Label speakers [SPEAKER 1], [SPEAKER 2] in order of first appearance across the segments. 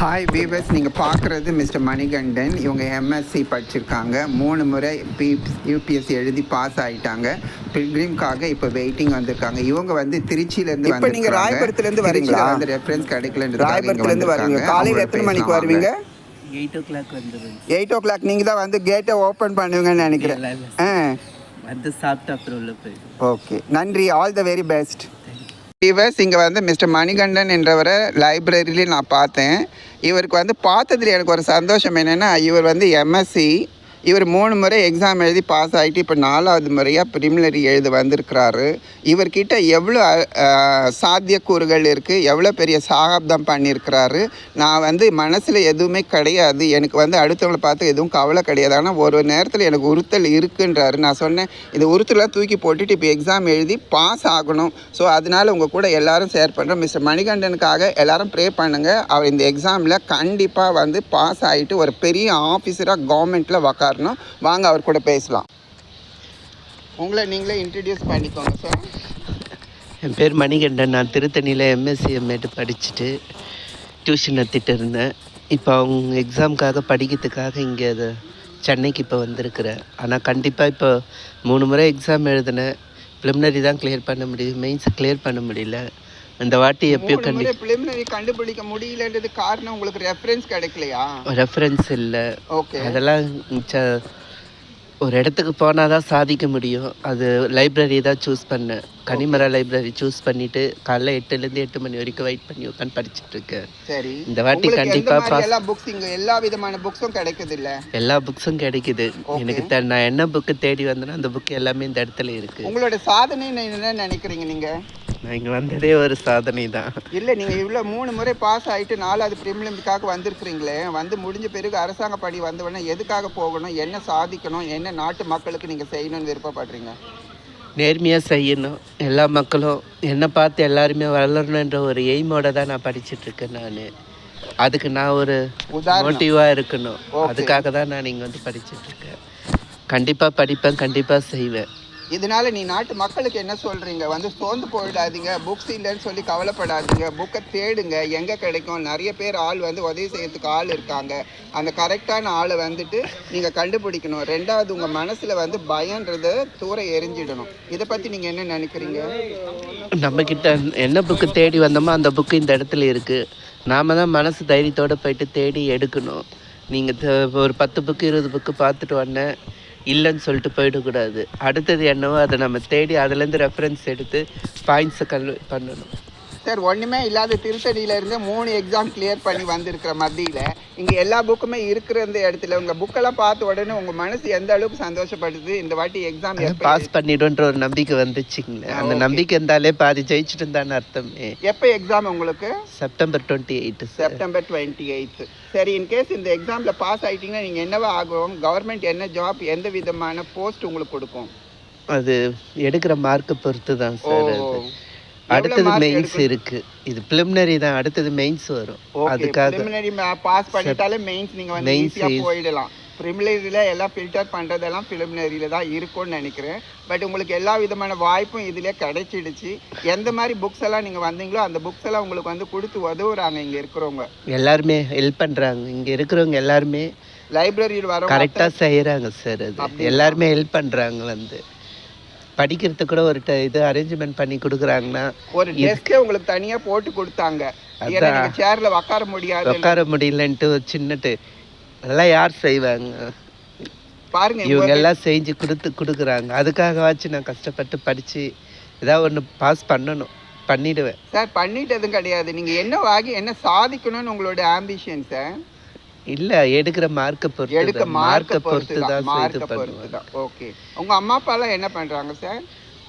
[SPEAKER 1] Hi viewers, நீங்கள் பார்க்குறது mister Manikandan. இவங்க எம்எஸ்சி படிச்சிருக்காங்க, 3 முறை யூபிஎஸ்சி எழுதி பாஸ் ஆகிட்டாங்க. பில்கிரிம்காக இப்போ வெயிட்டிங் வந்திருக்காங்க. இவங்க வந்து திருச்சியிலேருந்து வந்து நீங்கள் ராயபுரத்துலேருந்து வரீங்களா? வந்து ரெஃபரன்ஸ் கிடைக்கலன்னு ராயபுரத்துலேருந்து வரீங்க. காலையில் எத்தனை மணிக்கு வருவீங்க?
[SPEAKER 2] 8 o'clock வந்துடுவேன்.
[SPEAKER 1] 8 o'clock நீங்கள் தான் வந்து கேட்டை ஓப்பன் பண்ணுவீங்கன்னு நினைக்கிறேன்.
[SPEAKER 2] வந்து சாப்பிட்டு அப்புறம் உள்ள போயிடும்.
[SPEAKER 1] ஓகே, நன்றி. All the very best. Viewers, இங்கே வந்து மிஸ்டர் மணிகண்டன் என்றவரை லைப்ரரியிலே நான் பார்த்தேன். இவருக்கு வந்து பார்த்ததில் எனக்கு ஒரு சந்தோஷம் என்னென்னா, இவர் வந்து எம்எஸ்சி, இவர் 3 முறை எக்ஸாம் எழுதி பாஸ் ஆகிட்டு இப்போ 4வது முறையாக ப்ரிலிமினரி எழுத வந்திருக்கிறாரு. இவர்கிட்ட எவ்வளோ சாத்தியக்கூறுகள் இருக்குது, எவ்வளோ பெரிய சாகப்தம் பண்ணியிருக்கிறாரு. நான் வந்து மனசில் எதுவுமே கிடையாது, எனக்கு வந்து அடுத்தவங்களை பார்த்து எதுவும் கவலை கிடையாது. ஆனால் ஒரு நேரத்தில் எனக்கு உறுத்தல் இருக்குன்றாரு. நான் சொன்னேன், இந்த உறுத்தலாம் தூக்கி போட்டுட்டு இப்போ எக்ஸாம் எழுதி பாஸ் ஆகணும். ஸோ அதனால் உங்கள் கூட எல்லோரும் ஷேர் பண்ணுறோம். மிஸ்டர் மணிகண்டனுக்காக எல்லோரும் ப்ரே பண்ணுங்கள். அவர் இந்த எக்ஸாமில் கண்டிப்பாக வந்து பாஸ் ஆகிட்டு ஒரு பெரிய ஆஃபீஸராக கவர்மெண்ட்டில் உக்காரணும். வாங்க அவர் கூட பேசலாம். உங்களை நீங்களே இன்ட்ரடியூஸ் பண்ணிக்கோங்க சார்.
[SPEAKER 2] என் பேர் மணிகண்டன். நான் திருத்தணியில் எம்எஸ்சி எம்ஏட்டு படிச்சுட்டு டியூஷன் எடுத்துகிட்டு இருந்தேன். இப்போ அவங்க எக்ஸாமுக்காக படிக்கிறதுக்காக இங்கே அது சென்னைக்கு இப்போ வந்திருக்கிறேன். ஆனால் கண்டிப்பாக இப்போ 3 முறை எக்ஸாம் எழுதினேன். ப்ரிலிமினரி தான் கிளியர் பண்ண முடியுது, மெயின்ஸ் கிளியர் பண்ண முடியல. அந்த வாட்டி எப்பயும்
[SPEAKER 1] ப்ரிலிமினரி கண்டுபிடிக்க முடியலன்றது காரணம் உங்களுக்கு ரெஃபரன்ஸ் கிடைக்கலையா?
[SPEAKER 2] ரெஃபரன்ஸ் இல்லை. ஓகே, அதெல்லாம் ஒரு இடத்துக்கு போனால் தான் சாதிக்க முடியும். அது லைப்ரரி தான் சூஸ் பண்ணேன். கனிமரா லைப்ரரி சூஸ் பண்ணிவிட்டு காலைல 8லேருந்து 8 மணி வரைக்கும் வெயிட் பண்ணி உட்காந்து படிச்சுட்டு இருக்கேன்.
[SPEAKER 1] சரி,
[SPEAKER 2] இந்த வாட்டி கண்டிப்பாக
[SPEAKER 1] எல்லா புக்ஸ் இங்கே எல்லா விதமான புக்ஸும் கிடைக்குது இல்லை?
[SPEAKER 2] எல்லா புக்ஸும் கிடைக்குது எனக்கு. நான் என்ன புக்கு தேடி வந்தேன்னா அந்த புக்கு எல்லாமே இந்த இடத்துல இருக்குது.
[SPEAKER 1] உங்களோட சாதனை என்ன நினைக்கிறீங்க நீங்கள்?
[SPEAKER 2] நான் இங்கே வந்ததே ஒரு சாதனை தான்.
[SPEAKER 1] இல்லை, நீங்கள் இவ்வளோ 3 முறை பாஸ் ஆகிட்டு 4வது ப்ரிலிமினரிக்காக வந்திருக்கிறீங்களே, வந்து முடிஞ்ச பிறகு அரசாங்க படி வந்தவொடனே எதுக்காக போகணும், என்ன சாதிக்கணும், என்ன நாட்டு மக்களுக்கு நீங்கள் செய்யணும்னு விருப்பப்படுறீங்க?
[SPEAKER 2] நேர்மையாக செய்யணும். எல்லா மக்களும் என்னை பார்த்து எல்லாருமே வளரணுன்ற ஒரு எய்மோட தான் நான் படிச்சுட்ருக்கேன். நான் அதுக்கு நான் ஒரு மோட்டிவாக இருக்கணும். அதுக்காக தான் நான் இங்கே வந்து படிச்சுட்ருக்கேன். கண்டிப்பாக படிப்பேன், கண்டிப்பாக செய்வேன்.
[SPEAKER 1] இதனால நீ நாட்டு மக்களுக்கு என்ன சொல்கிறீங்க? வந்து சோர்ந்து போயிடாதீங்க, புக்ஸ் இல்லைன்னு சொல்லி கவலைப்படாதீங்க, புக்கை தேடுங்க, எங்கே கிடைக்கும். நிறைய பேர் ஆள் வந்து உதவி செய்யறதுக்கு ஆள் இருக்காங்க. அந்த கரெக்டான ஆளை வந்துட்டு நீங்கள் கண்டுபிடிக்கணும். 2வது, உங்கள் மனசில் வந்து பயன்றதை தூர எரிஞ்சிடணும். இதை பற்றி நீங்கள் என்ன நினைக்கிறீங்க?
[SPEAKER 2] நம்மக்கிட்ட என்ன புக்கு தேடி வந்தோமோ அந்த புக்கு இந்த இடத்துல இருக்குது. நாம் தான் மனசு தைரியத்தோடு போயிட்டு தேடி எடுக்கணும். நீங்கள் ஒரு 10 புக்கு 20 புக்கு பார்த்துட்டு வந்தேன் இல்லைன்னு சொல்லிட்டு போயிடக்கூடாது. அடுத்தது என்னவோ அதை நம்ம தேடி அதுலேருந்து ரெஃபரன்ஸ் எடுத்து பாயிண்ட்ஸை பண்ணணும்.
[SPEAKER 1] சார், ஒன்றுமே இல்லாத திருத்தணியிலேருந்து 3 எக்ஸாம் கிளியர் பண்ணி வந்திருக்கிற மத்தியில் இங்கே எல்லா புக்குமே இருக்கிற இந்த இடத்துல உங்கள் புக்கெல்லாம் பார்த்த உடனே உங்கள் மனசு எந்த அளவுக்கு சந்தோஷப்படுது? இந்த வாட்டி எக்ஸாம்
[SPEAKER 2] பாஸ் பண்ணிடுன்ற ஒரு நம்பிக்கை வந்துச்சுங்களே. அந்த நம்பிக்கை இருந்தாலே பாதி ஜெயிச்சுட்டு இருந்தான்னு அர்த்தமே.
[SPEAKER 1] எப்போ எக்ஸாம் உங்களுக்கு?
[SPEAKER 2] செப்டம்பர் 28.
[SPEAKER 1] செப்டம்பர் 28. சரி, இன்கேஸ் இந்த எக்ஸாமில் பாஸ் ஆகிட்டிங்கன்னா நீங்கள் என்னவா ஆகும்? கவர்மெண்ட் என்ன ஜாப், எந்த விதமான போஸ்ட் உங்களுக்கு கொடுக்கும்?
[SPEAKER 2] அது எடுக்கிற மார்க்கை பொறுத்து தான் சார். அடுத்தது மெயின்ஸ் இருக்கு. இது பிலிமினரி தான், அடுத்தது மெயின்ஸ் வரும். அதுக்காக
[SPEAKER 1] பிலிமினரி பாஸ் பண்ணிட்டாலே மெயின்ஸ் நீங்க வந்து ஈஸியா போயிடலாம். பிரிலிமினரியில எல்லாம் ஃபில்டர் பண்றதெல்லாம் பிலிமினரியில தான் இருக்கும்னு நினைக்கிறேன். பட் உங்களுக்கு எல்லா விதமான வாய்ப்பும் இதுல கிடைச்சிடுச்சு. எந்த மாதிரி புக்ஸ் எல்லாம் நீங்க வந்தீங்களோ அந்த புக்ஸ் எல்லாம் உங்களுக்கு வந்து கொடுத்து உதவுறாங்க. இங்க இருக்கிறவங்க
[SPEAKER 2] எல்லாருமே ஹெல்ப் பண்றாங்க. இங்க இருக்கிறவங்க எல்லாருமே
[SPEAKER 1] லைப்ரரியில் வர
[SPEAKER 2] கரெக்டா செய்யறாங்க சார். அது எல்லாருமே ஹெல்ப் பண்றாங்க. வந்து படிக்கிறதுக்கு கூட ஒரு இது அரேஞ்ச்மெண்ட் பண்ணி கொடுக்குறாங்கன்னா
[SPEAKER 1] ஒரு டெஸ்க்கே உங்களுக்கு தனியா போட்டு கொடுத்தாங்க. சேர்ல உட்கார
[SPEAKER 2] முடியலன்ட்டு சின்னட்டு அதெல்லாம் யார் செய்வாங்க
[SPEAKER 1] பாருங்க.
[SPEAKER 2] இவங்க எல்லாம் செஞ்சு கொடுக்குறாங்க. அதுக்காகவாச்சும் நான் கஷ்டப்பட்டு படிச்சு ஏதாவது ஒன்று பாஸ் பண்ணணும், பண்ணிடுவேன்
[SPEAKER 1] சார். பண்ணிட்டதும் கிடையாது, நீங்க என்ன ஆகி என்ன சாதிக்கணும்னு உங்களோட ஆம்பிஷன் சார்.
[SPEAKER 2] இல்ல, எடுக்கிற மார்க்கை பொறுத்து தான்.
[SPEAKER 1] ஓகே, உங்க அம்மா அப்பா எல்லாம் என்ன பண்றாங்க சார்?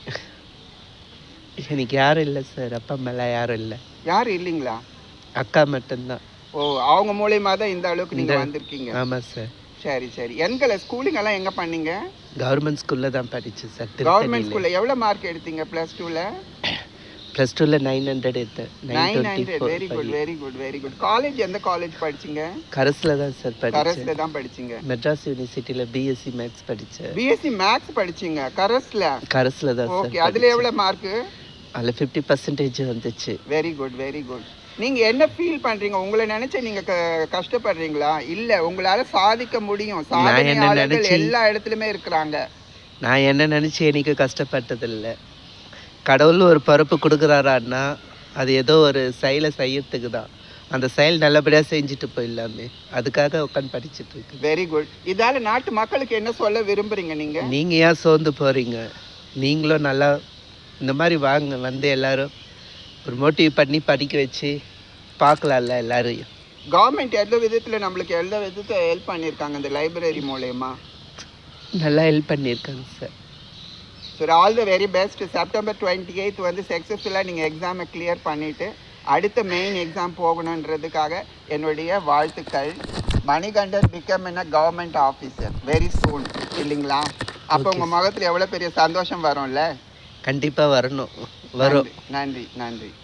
[SPEAKER 2] எனக்கு யாரும் இல்லை சார். அப்பா அம்மா எல்லாம் யாரும் இல்லை.
[SPEAKER 1] யாரும் இல்லைங்களா?
[SPEAKER 2] அக்கா மட்டும்தான்.
[SPEAKER 1] ஓ, அவங்க மூலியமா தான் இந்த அளவுக்கு நீங்க வந்திருக்கீங்க.
[SPEAKER 2] ஆமா சார்.
[SPEAKER 1] சரி சரி. எங்களை ஸ்கூலிங் எல்லாம் எங்க பண்ணீங்க?
[SPEAKER 2] கவர்மெண்ட் ஸ்கூல்ல தான் படிச்சேன் சார்.
[SPEAKER 1] கவர்மெண்ட் ஸ்கூல்ல எவ்வளவு மார்க் எடுத்தீங்க +2ல?
[SPEAKER 2] +2ல 900 எடுத்தேன்.
[SPEAKER 1] 900. Very good very good very good. College எந்த காலேஜ் படிச்சீங்க?
[SPEAKER 2] கரஸ்ல தான் சார் படிச்சேன்.
[SPEAKER 1] கரஸ்ல தான் படிச்சீங்க.
[SPEAKER 2] மெட்ராஸ் யூனிவர்சிட்டில பிஎஸ்சி மேத்ஸ் படிச்சேன்.
[SPEAKER 1] பிஎஸ்சி மேத்ஸ் படிச்சீங்க கரஸ்ல?
[SPEAKER 2] கரஸ்ல தான் சார்.
[SPEAKER 1] ஓகே, அதுல எவ்வளவு மார்க்?
[SPEAKER 2] அதுல 50% வந்துச்சு.
[SPEAKER 1] Very good very good. நீங்கள் என்ன ஃபீல் பண்ணுறீங்க? உங்களை நினச்சி நீங்கள் கஷ்டப்படுறீங்களா? இல்லை, உங்களால் சாதிக்க முடியும். சாதனையாளர்கள் எல்லா இடத்துலையுமே இருக்கிறாங்க.
[SPEAKER 2] நான் என்ன நினச்சி எனக்கு கஷ்டப்பட்டதில்லை. கடவுள் ஒரு பொறுப்பு கொடுக்குறாரான்னா அது ஏதோ ஒரு செயலை செய்யறதுக்கு தான். அந்த செயல் நல்லபடியாக செஞ்சுட்டு போயிடலாமே, அதுக்காக உட்காந்து படிச்சுட்டு இருக்கு.
[SPEAKER 1] Very good. இதால் நாட்டு மக்களுக்கு என்ன சொல்ல விரும்புகிறீங்க நீங்கள்?
[SPEAKER 2] நீங்கள் ஏன் சோர்ந்து போகிறீங்க? நீங்களும் நல்லா இந்த மாதிரி வாங்க, வந்து எல்லோரும் ஒரு மோட்டிவ் பண்ணி படிக்க வச்சு பார்க்கலாம்ல எல்லாரையும்.
[SPEAKER 1] கவர்மெண்ட் எந்த விதத்தில் நம்மளுக்கு எந்த விதத்தை ஹெல்ப் பண்ணியிருக்காங்க இந்த லைப்ரரி மூலயமா?
[SPEAKER 2] நல்லா ஹெல்ப் பண்ணியிருக்காங்க sir.
[SPEAKER 1] So all the very best. September 28 வந்து சக்ஸஸ்ஃபுல்லாக நீங்கள் எக்ஸாமை கிளியர் பண்ணிவிட்டு அடுத்த மெயின் எக்ஸாம் போகணுன்றதுக்காக என்னுடைய வாழ்த்துக்கள். மணிகண்டன் பிகம் என்ன கவர்மெண்ட் ஆஃபீஸர் வெரி சூன், இல்லைங்களா? அப்போ உங்கள் முகத்தில் எவ்வளோ பெரிய சந்தோஷம் வரும்ல?
[SPEAKER 2] கண்டிப்பாக வரணும், வரும்.
[SPEAKER 1] நன்றி நன்றி.